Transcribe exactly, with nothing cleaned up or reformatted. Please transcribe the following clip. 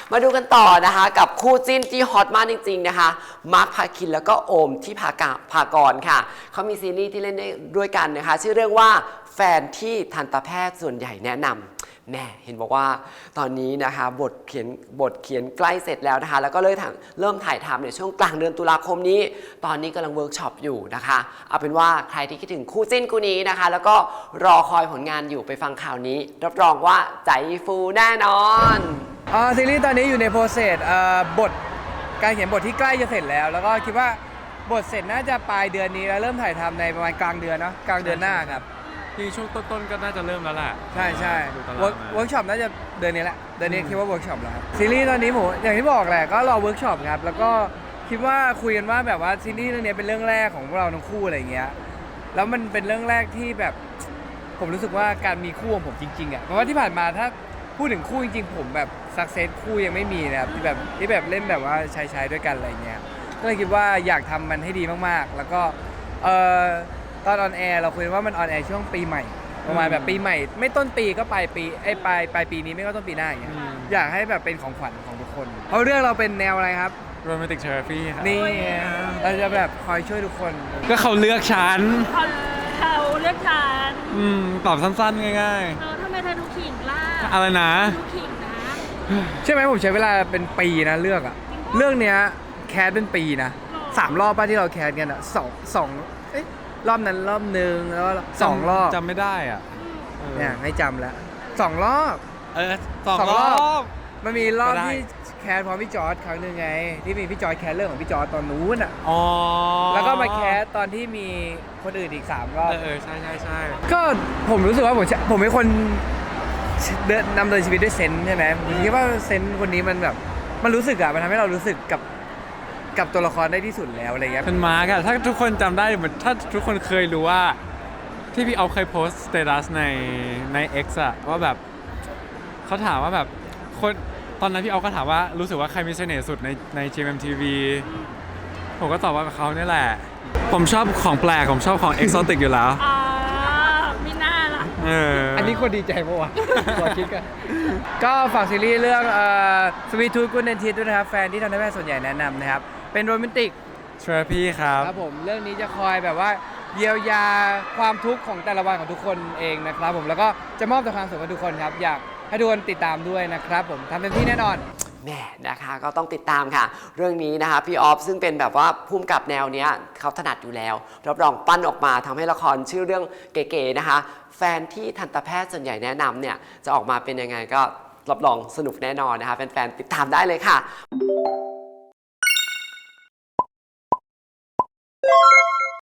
มาดูกันต่อนะคะกับคู่จิ้นที่ฮอตมากจริงๆนะคะมาร์คพาคินแล้วก็โอมที่พากาพากรค่ะเขามีซีรีส์ที่เล่นได้ด้วยกันนะคะชื่อเรื่องว่าแฟนที่ทันตแพทย์ส่วนใหญ่แนะนำแม่เห็นบอกว่าตอนนี้นะคะบทเขียนบทเขียนใกล้เสร็จแล้วนะคะแล้วก็เริ่มเริ่มถ่ายทำในช่วงกลางเดือนตุลาคมนี้ตอนนี้กำลังเวิร์กช็อปอยู่นะคะเอาเป็นว่าใครที่คิดถึงคู่จิ้นคู่นี้นะคะแล้วก็รอคอยผลงานอยู่ไปฟังข่าวนี้รับรองว่าใจฟูแน่นอนอ่าซีรีส์ตอนนี้อยู่ในโปรเซสอ่าบทการเขียนบทที่ใกล้จะเสร็จแล้วแล้วก็คิดว่าบทเสร็จน่าจะปลายเดือนนี้แล้วเริ่มถ่ายทำในประมาณกลางเดือนเนาะกลางเดือนหน้าครับที่ช่วงต้นๆก็น่าจะเริ่มแล้วแหละใช่ใช่เวิร์กช็อปน่าจะเดือนนี้แหละเดือนนี้คิดว่าเวิร์กช็อปแล้วครับซีรีส์ตอนนี้ผมอย่างที่บอกแหละก็รอเวิร์กช็อปครับแล้วก็คิดว่าคุยกันว่าแบบว่าซีรีส์เรื่องนี้เป็นเรื่องแรกของพวกเราทั้งคู่อะไรเงี้ยแล้วมันเป็นเรื่องแรกที่แบบผมรู้สึกว่าการมีคู่ของผมจริงๆอ่ะเพราะว่าที่ผ่านมาถ้าพูดถึงคู่จริงๆผมแบบสักเซสคู่ยังไม่มีนะครับที่แบบที่แบบเล่นแบบว่าชายๆด้วยกันอะไรเงี้ยก็เลยคิดว่าอยากทำมันให้ดีมากๆแล้วก็เอ่อตอนออนแอร์เราคุยว่ามันออนแอร์ช่วงปีใหม่ประมาณแบบปีใหม่ไม่ต้นปีก็ปลายปีไอ้ปลายปลายปีนี้ไม่ก็ต้นปีหน้าอย่างเงี้ยอยากให้แบบเป็นของขวัญของทุกคนเพราะเรื่องเราเป็นแนวอะไรครับโรแมนติกเทอราพีครับนี่เราจะแบบคอยช่วยทุกคนก็เขาเลือกฉันเขาเขาเลือกฉันอืมตอบสั้นๆง่ายๆเออทำไมเธอดูขิงล่ะอะไรนะดูขิงนะใช่ไหมผมใช้เวลาเป็นปีนะเลือกอะเรื่องเนี้ยแคสเป็นปีนะสามรอบป้าที่เราแคสกันอะสองสองเอ๊ะรอบนั้นรอบหนึ่งแล้วสองรอบจำไม่ได้อ่ะเนี่ยให้จำแล้วสองรอบเออสองรอบมันมีรอบที่แคสพร้อมพี่จอร์จครั้งหนึ่งไงที่มีพี่จอร์จแคสเรื่องของพี่จอร์จตอนนู้นอ่ะอ๋อแล้วก็มาแคสตอนที่มีคนอื่นอีกสามรอบเออใช่ใช่ใช่ก็ผมรู้สึกว่าผมผมเป็นคนเดินนำเดินชีวิตด้วยเซนส์ใช่ไหมผมคิดว่าเซนส์คนนี้มันแบบมันรู้สึกอะมันทำให้เรารู้สึกกับกับตัวละครได้ที่สุดแล้วอะไรเงี้ยเป็นมาร์กอะถ้าทุกคนจำได้เหมือนถ้าทุกคนเคยรู้ว่าที่พี่เอาเคยโพสต์สเตตัสในใน X อะว่าแบบเขาถามว่าแบบคนตอนนั้นพี่เอาก็ถามว่ารู้สึกว่าใครมีเสน่ห์สุดในใน จี เอ็ม ที วี ผมก็ตอบว่ากับเขาเนี่ยแหละผมชอบของแปลกผมชอบของ เอ็กโซติก อยู่แล้วอ๋อมีหน้าล่ะเอออันนี้คนดีใจปะวะขอคิดกันก็ฝากซีรีส์เรื่องสวีททูกูเนนทิสด้วยนะครับแฟนที่ทันตแพทย์ส่วนใหญ่แนะนำนะครับเป็นโรแมนติกเทอราพีครับครับผมเรื่องนี้จะคอยแบบว่าเยียวยาความทุกข์ของแต่ละวันของทุกคนเองนะครับผมแล้วก็จะมอบแต่ความสุขให้ทุกคนครับอยากให้ทุกคนติดตามด้วยนะครับผมทำเต็มที่แน่นอนแม่นะคะก็ต้องติดตามค่ะเรื่องนี้นะคะพี่ออฟซึ่งเป็นแบบว่าภูมิกับแนวเนี้ยเขาถนัดอยู่แล้วรับรองปั้นออกมาทำให้ละครชื่อเรื่องเก๋ๆนะคะแฟนที่ทันตแพทย์ส่วนใหญ่แนะนำเนี่ยจะออกมาเป็นยังไงก็รับรองสนุกแน่นอนนะคะแฟนๆติดตามได้เลยค่ะ